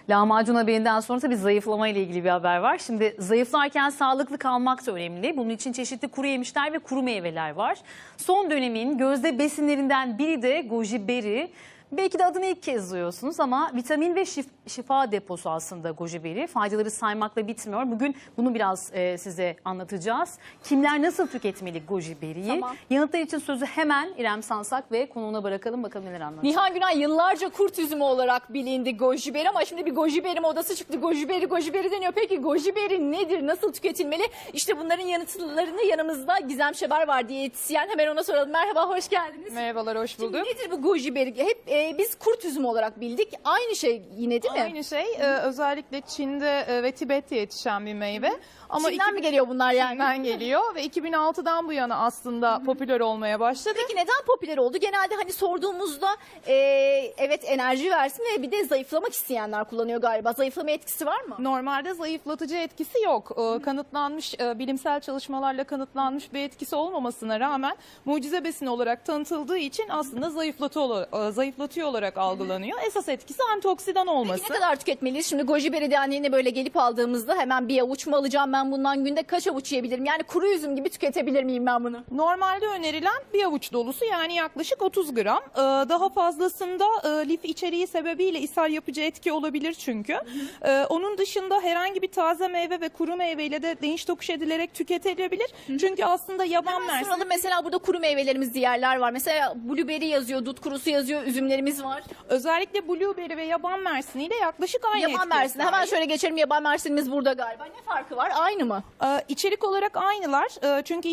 Lahmacun haberinden sonra tabii zayıflama ile ilgili bir haber var. Şimdi zayıflarken sağlıklı kalmak da önemli. Bunun için çeşitli kuru yemişler ve kuru meyveler var. Son dönemin gözde besinlerinden biri de goji berry. Belki de adını ilk kez duyuyorsunuz ama vitamin ve şifa deposu aslında goji berry. Faydaları saymakla bitmiyor. Bugün bunu biraz size anlatacağız. Kimler nasıl tüketmeli goji berry'yi? Tamam. Yanıtlar için sözü hemen İrem Sansak ve konuğuna bırakalım. Bakalım neler anlatacak. Nihan Günay yıllarca kurt üzümü olarak bilindi goji berry ama şimdi bir goji berry modası çıktı. Goji berry deniyor. Peki goji berry nedir? Nasıl tüketilmeli? İşte bunların yanıtlarını yanımızda Gizem Şeber var, diyetisyen. Hemen ona soralım. Merhaba, hoş geldiniz. Merhabalar, hoş bulduk. Şimdi nedir bu goji berry? Hep biz kurt üzümü olarak bildik. Aynı şey yine değil mi? Aynı şey. Özellikle Çin'de ve Tibet'te yetişen bir meyve. Ama Çin'den mi geliyor bunlar yani? Çin'den geliyor ve 2006'dan bu yana aslında popüler olmaya başladı. Peki neden popüler oldu? Genelde hani sorduğumuzda evet enerji versin ve bir de zayıflamak isteyenler kullanıyor galiba. Zayıflama etkisi var mı? Normalde zayıflatıcı etkisi yok. Kanıtlanmış, bilimsel çalışmalarla kanıtlanmış bir etkisi olmamasına rağmen mucize besin olarak tanıtıldığı için aslında zayıflatıyor olarak algılanıyor. Esas etkisi antioksidan olması. Peki ne kadar tüketmeliyiz? Şimdi goji berry dendiğinde böyle gelip aldığımızda hemen bir avuç mu alacağım, ben bundan günde kaç avuç yiyebilirim? Yani kuru üzüm gibi tüketebilir miyim ben bunu? Normalde önerilen bir avuç dolusu, yani yaklaşık 30 gram. Daha fazlasında lif içeriği sebebiyle ishal yapıcı etki olabilir çünkü. Onun dışında herhangi bir taze meyve ve kuru meyveyle de değiş tokuş edilerek tüketilebilir. Çünkü aslında yaban mersini. Soralım, mesela burada kuru meyvelerimiz, diğerler var. Mesela blueberry yazıyor, dut kurusu yazıyor, üzümlerimiz var. Özellikle blueberry ve yaban mersiniyle yaklaşık aynı Yaban etkiye mersini. Hemen sahip. şöyle geçelim, yaban mersinimiz burada galiba. Ne farkı var? Aynı mı? İçerik olarak aynılar. Çünkü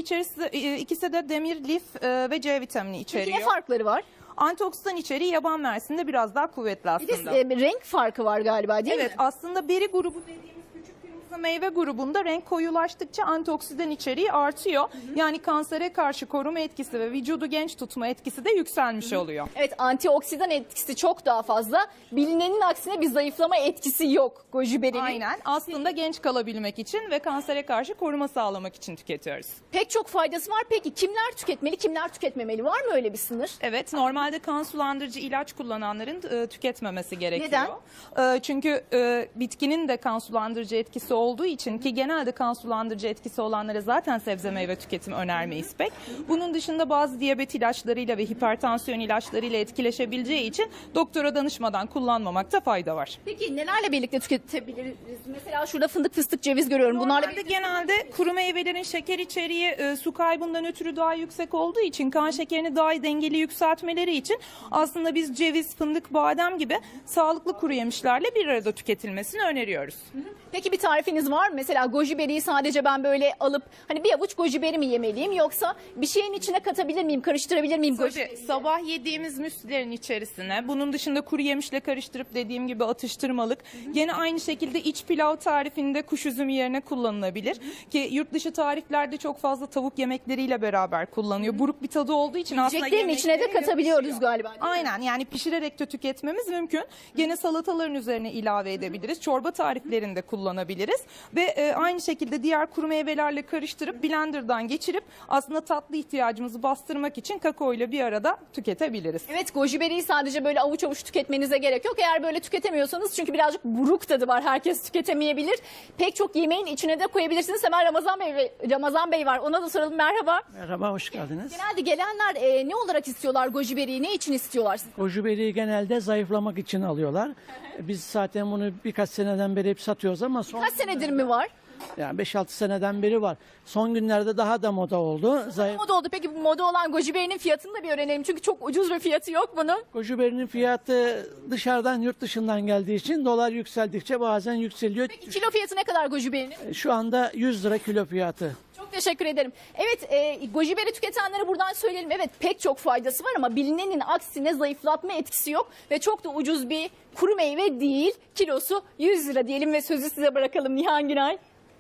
ikisi de demir, lif ve C vitamini Peki içeriyor. ne farkları var? Antioksidan içeriği yaban mersinde biraz daha kuvvetli Bir de aslında. renk farkı var galiba, değil mi? Evet, aslında beri grubu dediğimiz küçük kırmızı meyve grubunda renk koyulaştıkça antioksidan içeriği artıyor. Yani kansere karşı koruma etkisi ve vücudu genç tutma etkisi de yükselmiş oluyor. Evet, antioksidan etkisi çok daha fazla. Bilinenin aksine bir zayıflama etkisi yok goji berry'nin. Aynen. Aslında genç kalabilmek için ve kansere karşı koruma sağlamak için tüketiyoruz. Pek çok faydası var. Peki kimler tüketmeli, kimler tüketmemeli? Var mı öyle bir sınır? Evet, normalde kan sulandırıcı ilaç kullananların tüketmemesi gerekiyor. Neden? Çünkü bitkinin de kan sulandırıcı etkisi olduğu için, ki genelde kan sulandırıcı etkisi olanlara zaten sebze meyve tüketimi önermeyiz pek. Bunun dışında bazı diyabet ilaçlarıyla ve hipertansiyon ilaçlarıyla etkileşebileceği için doktora danışmadan kullanmamakta fayda var. Peki nelerle birlikte tüketebiliriz? Mesela şurada fındık, fıstık, ceviz görüyorum. Bunlarla Normalde birlikte genelde kuru meyvelerin şeker içeriği su kaybından ötürü daha yüksek olduğu için, kan şekerini daha dengeli yükseltmeleri için aslında biz ceviz, fındık, badem gibi sağlıklı kuru yemişlerle bir arada tüketilmesini öneriyoruz. Peki bir tarifiniz var mı? Mesela goji berry'yi sadece ben böyle alıp hani bir avuç goji berry mi yemeliyim, yoksa bir şeyin içine katabilir miyim, karıştırabilir miyim goji Tabii, berry'yi? sabah yediğimiz müslilerin içerisine, bunun dışında kuru yemişle karıştırıp dediğim gibi atıştırmalık. Yine aynı şekilde iç pilav tarifinde kuş üzümü yerine kullanılabilir. Ki yurt dışı tariflerde çok fazla tavuk yemekleriyle beraber kullanıyor. Buruk bir tadı olduğu için aslında Yiyeceklerin içine de yemeklerin katabiliyoruz yakışıyor. galiba, değil mi? Aynen, yani pişirerek de tüketmemiz mümkün. Gene salataların üzerine ilave edebiliriz. Çorba tariflerinde kullanabiliriz. Ve aynı şekilde diğer kuru meyvelerle karıştırıp blenderdan geçirip aslında tatlı ihtiyacımızı bastırmak için kakao ile bir arada tüketebiliriz. Evet, goji berry'yi sadece böyle avuç avuç tüketmenize gerek yok. Eğer böyle tüketemiyorsanız, çünkü birazcık buruk tadı var, herkes tüketemeyebilir. Pek çok yemeğin içine de koyabilirsiniz. Hemen Ramazan Bey var, ona da soralım. Merhaba. Merhaba, hoş geldiniz. Genelde gelenler ne olarak istiyorlar goji berry'yi, ne için istiyorlar? Goji berry'yi genelde zayıflamak için alıyorlar. Biz zaten bunu birkaç seneden beri hep satıyoruz ama Kaç senedir mi var? yani 5-6 seneden beri var. Son günlerde daha da moda oldu. Moda oldu. Peki bu moda olan goji berry'nin fiyatını da bir öğrenelim. Çünkü çok ucuz bir fiyatı yok bunun. Goji berry'nin fiyatı dışarıdan, yurt dışından geldiği için dolar yükseldikçe bazen yükseliyor. Peki kilo fiyatı ne kadar goji berry'nin? Şu anda 100 lira kilo fiyatı. Çok teşekkür ederim. Evet, goji berry tüketenlere buradan söyleyelim. Evet, pek çok faydası var ama bilinenin aksine zayıflatma etkisi yok. Ve çok da ucuz bir kuru meyve değil. Kilosu 100 lira diyelim ve sözü size bırakalım. Nihan Günay.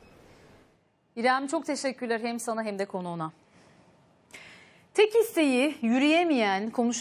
İrem, çok teşekkürler hem sana hem de konuğuna. Tek isteği yürüyemeyen, konuşamayan